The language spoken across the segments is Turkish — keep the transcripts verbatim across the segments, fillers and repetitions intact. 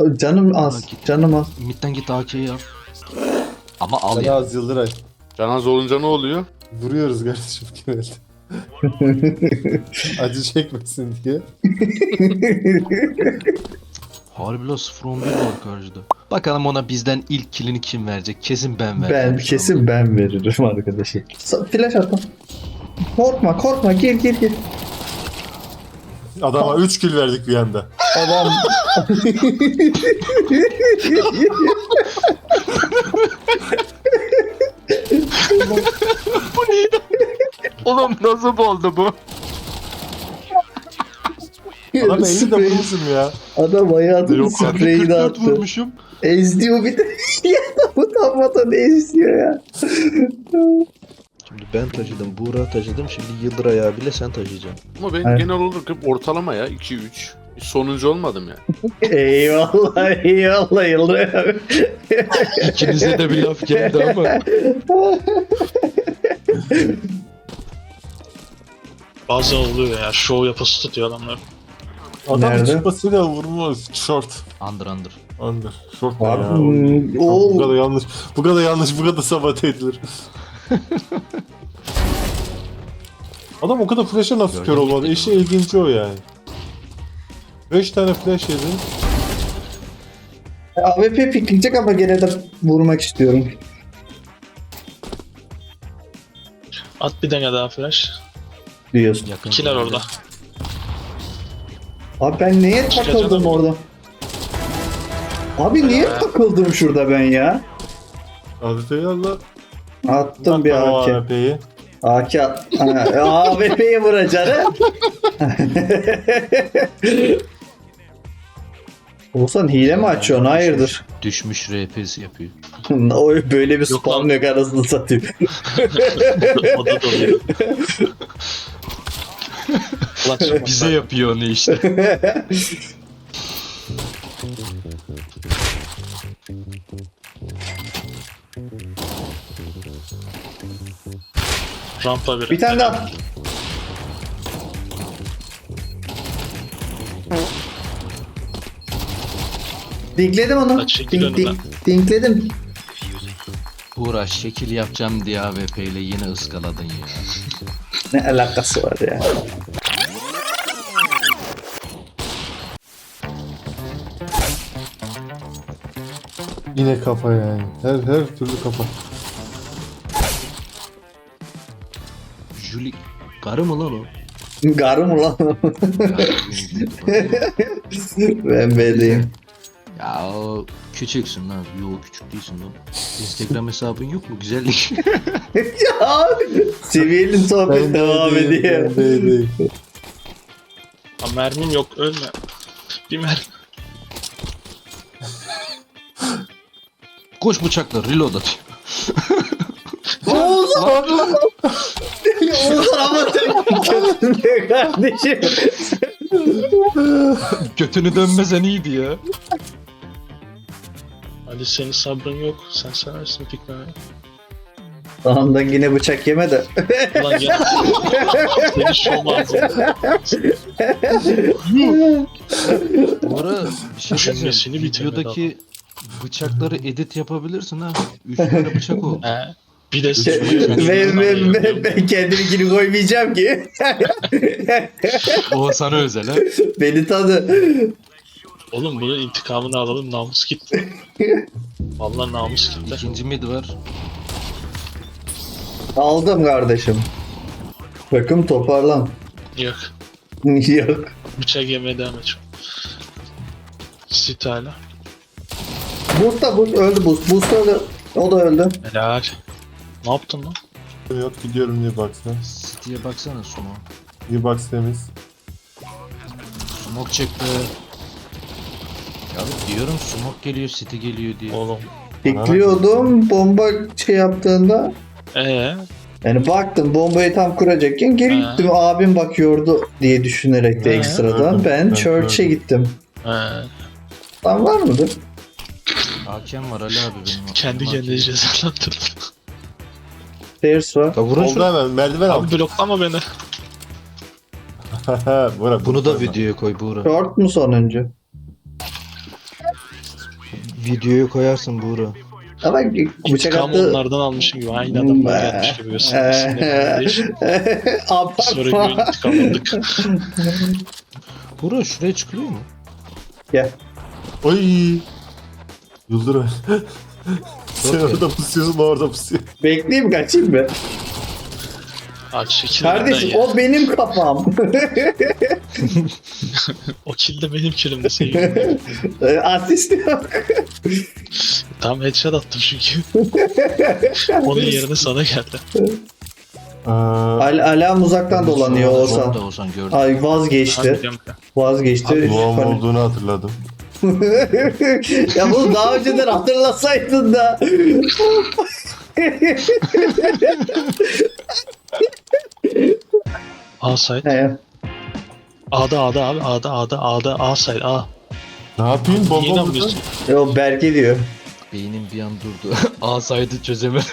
Canım az. Git. Canım az. Mid'den git A K'yi al. Ama al Sana ya. az Yıldıray. Canaz olunca ne oluyor? Vuruyoruz kardeşim genelde. Acı çekmesin diye. Harbi la sıfır on bir var karşıda. Bakalım ona bizden ilk killini kim verecek? Kesin ben vereceğim. Ben kesin ben veririm arkadaşım. Sa- Flash atma. Korkma korkma gir gir gir. Adama üç kill verdik bir anda. Adam. Bu neydi? Oğlum nasıl oldu bu? Adam elini de Sprey- vurmuşum ya. Adam hayatının Yok abi, spreyini kırk dört attı. vurmuşum. Ezdiyor bir de. Ya bu tam ezdiyor ya. Şimdi ben taşıdım, Buğra taşıdım, şimdi Yıldıray abiyle sen taşıyacaksın. Ama ben Evet. genel olarak hep ortalama ya iki üç. Hiç sonuncu olmadım ya. Eyvallah eyvallah Yıldıray abi. İkinize de bir laf geldi ama. Bazen oluyor ya. Şov yapası tutuyor adamlar. Adam Nerede? çıkmasıyla vurmuş. Short. Under under. Under. Short ne Abi, ya? hmm, Bu o kadar yanlış. Bu kadar yanlış. Bu kadar sabote edilir. Adam o kadar flash'a nasıl kör olmadı? İşin ilginci o yani. beş tane flash yedi. A W P pikleyecek ama gene de vurmak istiyorum. At bir dene daha flash. Diyorsun. Yakın. İkiler orada. Abi ben neye takıldım canım. orada? Abi niye takıldım şurada ben ya? Adet'i Allah. Attım bir A K. A P'yi. A K at. A W P'ye vuracaksın. Oğuzhan hile mi açıyorsun? Hayırdır? Düşmüş R P'si yapıyor. O böyle bir Yok spam lan. yok arasını satayım. O da doluyor. Ulan çıkma. Bize yapıyor onu işte. Rampa bir. Bir tane daha. Dinkledim onu. Kaç çekil Dink, önümden. dink, dinkledim. Uğraş şekil yapacağım diye A W P ile yine ıskaladın ya. Ne alakası var ya? Yine kafa yani. Her her türlü kafa. Julie karı mı lan o? Garı mı lan? Ben B'deyim. Ya o küçüksün lan. Yo küçük değilsin lan. Instagram hesabın yok mu? Güzellik. Ya seviyeli sohbet devam ediyor. Ben B'deyim. Ha, mermim yok ölme. Bir mermi. Koş bıçakla reload atıyor. Oğuzhan! Oğuzhan ama sen kötü kardeşim. Götünü dönmesen iyiydi ya. Ali senin sabrın yok. Sen seversin pikmeyi. Ondan yine bıçak yeme de. Ulan ya. Seni şov ağzına. Bu ara bir şey Cümlesini diyeceğim. bitirmedi Videodaki bıçakları edit yapabilirsin ha. Üç tane bıçak oldu. He. Bir de Şey, sıçmayı ben, ben, ben, ben kendiminkini koymayacağım ki. O sana özel ha. Beni tanı. Oğlum bunun intikamını alalım, namus gitti. Vallahi namus gitti. İkinci mid var. Aldım kardeşim. Takım toparlan. Yok. Yok. Bıçak yemeye devam et. Sit hala. Boost da boost öldü boost. Boost öldü. O da öldü. Helal. Ne yaptın lan? Yok gidiyorum New Box'a. City'ye baksana Sumo. New Box temiz. Smoke çıktı. Ya diyorum smoke geliyor, City geliyor diye. Oğlum. Bekliyordum bomba şey yaptığında. Ee, Yani baktım bombayı tam kuracakken geri Ha. gittim. Abim bakıyordu diye düşünerek de Ha. ekstradan. Gördüm, Ben ben church'e gördüm. gittim. ee, Lan var mıdır? Hakem var Ali abi benim. kendi Hakem. kendine cezalandırdın. Stairs var. Ya vurun Oldu şunu. hemen. Merdiven al. Abi bloklama beni. Bırak. Bunu da videoya koy Buğra. Short mu sonuncu? Videoyu koyarsın Buğra. Ama bıçak İntikam attı. onlardan almışım gibi. Aynı adam da gelmiş gibi göstermesin. Sonra Abartma. bir intikam aldık. Buğra şuraya çıkılıyor mu? Gel. Ay. Yıldıray. Sen orada pusuyorsun, o orada pusuyor. Bekleyeyim kaçayım mı? Abi çekil Kardeşim benden ya. o benim kafam. O kill de benim killimde sevgilim. Asist yok. Tam headshot attım çünkü. Onun yerine sana geldi. Aa, Al alarm uzaktan dolanıyor Sonra Oğuzhan. da Oğuzhan gördüm. Ay Abi vazgeçti. biliyorum ya. Vazgeçti. doğum Hani- olduğunu hatırladım. ya bunu daha önceden hatırlasaydın da. A side. He. A'da A'da abi A'da A'da A'da A side A. Ne yapayım? Niye Bomba burada. inanmıyorsun? Yo Berke diyor. Beynim bir an durdu. A saydı çözemedim.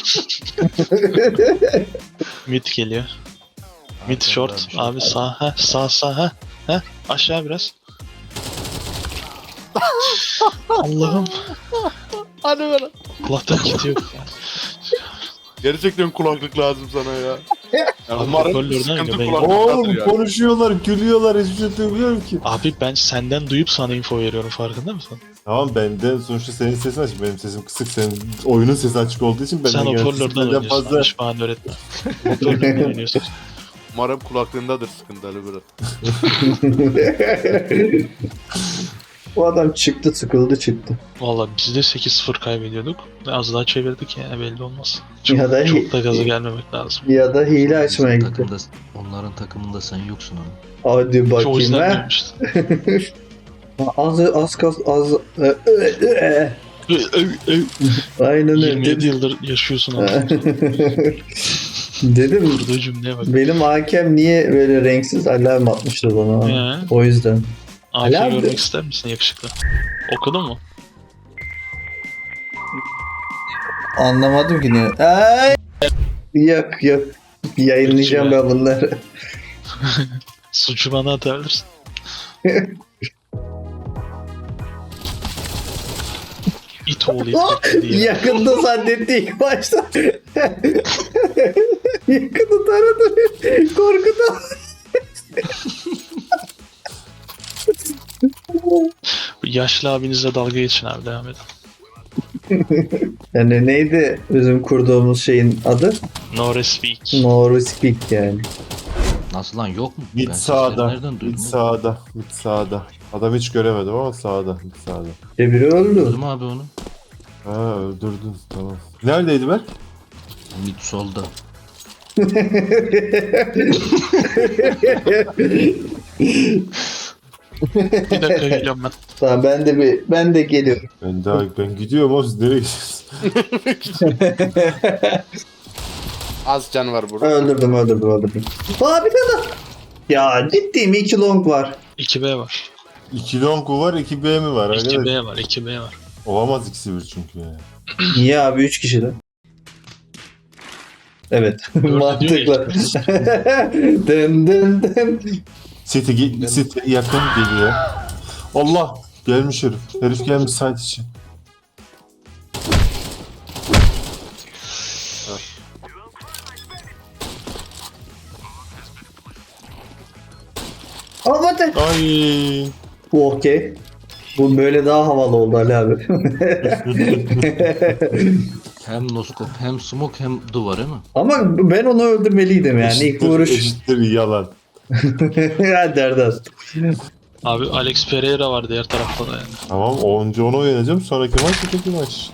Mid geliyor. Mid short. Abi sağ ha sağ sağ ha. Ha aşağı biraz. Allah'ım. Hadi bana. Kulaktan gidiyor. Gerçekten kulaklık lazım sana ya. Ya Abi, umarım hoparlörden sıkıntı göbeğim. kulaklıktadır Oğlum ya. konuşuyorlar, gülüyorlar, hiçbir şey duymuyorum ki. Abi ben senden duyup sana info veriyorum farkında mısın? Tamam, benden sonuçta senin sesin açık, benim sesim kısık, senin oyunun sesi açık olduğu için benden Sen hoparlörden sesinden oynuyorsun. fazla. Fazla... Hiç bana öğretme. Hoparlörden oynuyorsun. Umarım kulaklığındadır sıkıntı Ali bro. Bu adam çıktı sıkıldı çıktı. Valla biz de sekiz sıfır kaybediyorduk. Az daha çevirdik yani belli olmaz. Çok, Ya da- çok da gaza gelmemek lazım. Ya da hile açmaya Bizim gitti. takımda, onların takımında sen yoksun ama. Hadi Şu o bakayım yüzden ha. gelmişti. Az az kas az. Ö, ö, ö. Aynen öyle. yirmi yedi Dedim. yıldır yaşıyorsun ama. Dedim Kurduğu cümleye bak. benim hakem niye böyle renksiz alarm atmıştır bana. He. O yüzden. A K Helal görmek be. ister misin yakışıklı? Okudun mu? Anlamadım ki ne. Ay! Yok yok. Yayınlayacağım ben bunları. Suçu bana atabilirsin. İt oğlu it diye. Yakında zannetti ilk başta. Yakında taradı. Korkudan. Yaşlı abinizle dalga geçin abi devam edin. Yani neydi bizim kurduğumuz şeyin adı? No respect. No speak yani. Nasıl lan yok mu? Mid Ben sesleri sağda, nereden mid duydum? sağda, mid sağda. Adam hiç göremedim ama sağda, mid sağda. E biri öldü. Duydum abi onu. Ha, öldürdün, tamam. Neredeydi ben? Mid solda. Bir dakika geliyorum ben. Tamam ben de bir ben de geliyorum. Ben daha ben gidiyorum ama siz nereye gidiyorsunuz? Az can var burada. öldürdüm öldürdüm öldürdüm. Aa bir tane daha. Ya ciddi mi? iki long var. iki B var. iki long mu var, iki B mi var? iki Arkadaş, B var. iki B var. olamaz ikisi bir çünkü yani. Niye abi üç kişi de? Evet. Mantıklı. dın dın dın. City, ge- City yakın geliyor. Allah! Gelmiş herif. Herif gelmiş site için. Aa hadi. Ay! Bu okey. Bu böyle daha havalı oldu Ali abi. Hem noskop hem smoke hem duvar değil mi? Ama ben onu öldürmeliydim yani ilk Eşittir, vuruş. eşittir yalan. Ya Derdas. Abi Alex Pereira var diğer tarafta da yani. Tamam, onuncu onu oynayacağım. Sonraki maç öteki maç işte.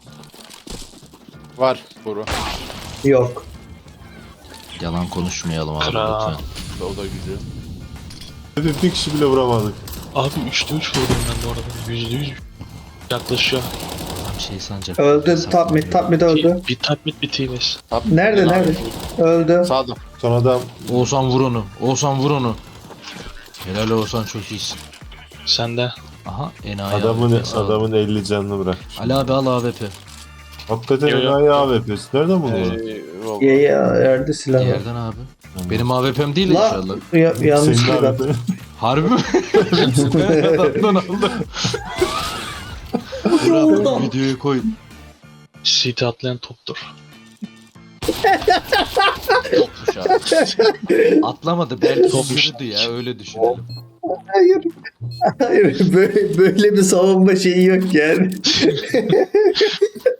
Var bro. Yok. Yalan konuşmayalım abi Kral. lütfen. O da güzel. Herif bir kişi bile vuramadık. Abi üçte üç vurdum ben bu arada. yüzde yüz yaklaşıyor. Tam şey sanacak. Öldü. Top mid, top mid öldü. Bir tap mid bir T-base. Top- Nerede, Abi, nerede? Öldü. Sağda. Son adam Oğuzhan vur onu. Oğuzhan vur onu. Helal Oğuzhan çok iyisin. Sende. Aha enayi adamın A W P sağ ol. adamın elli canını bırakmış. Ali abi al A W P. Hakikaten Yo, yo. enayi A W P'si. Nereden buldun onu? Ee, vallahi. Ya ya yerde silah var. Diğerden abi. Benim A W P'm değil La inşallah. ya, yanlış Senin silah. A W P. Harbi mi? Ben adamdan aldım. Gitti Burak, oradan. videoya koy. C T atlayan toptur. Yokmuş abi. Atlamadı belki Topmuş. yürüdü ya öyle düşünelim. Hayır. Hayır böyle, böyle bir savunma şeyi yok yani.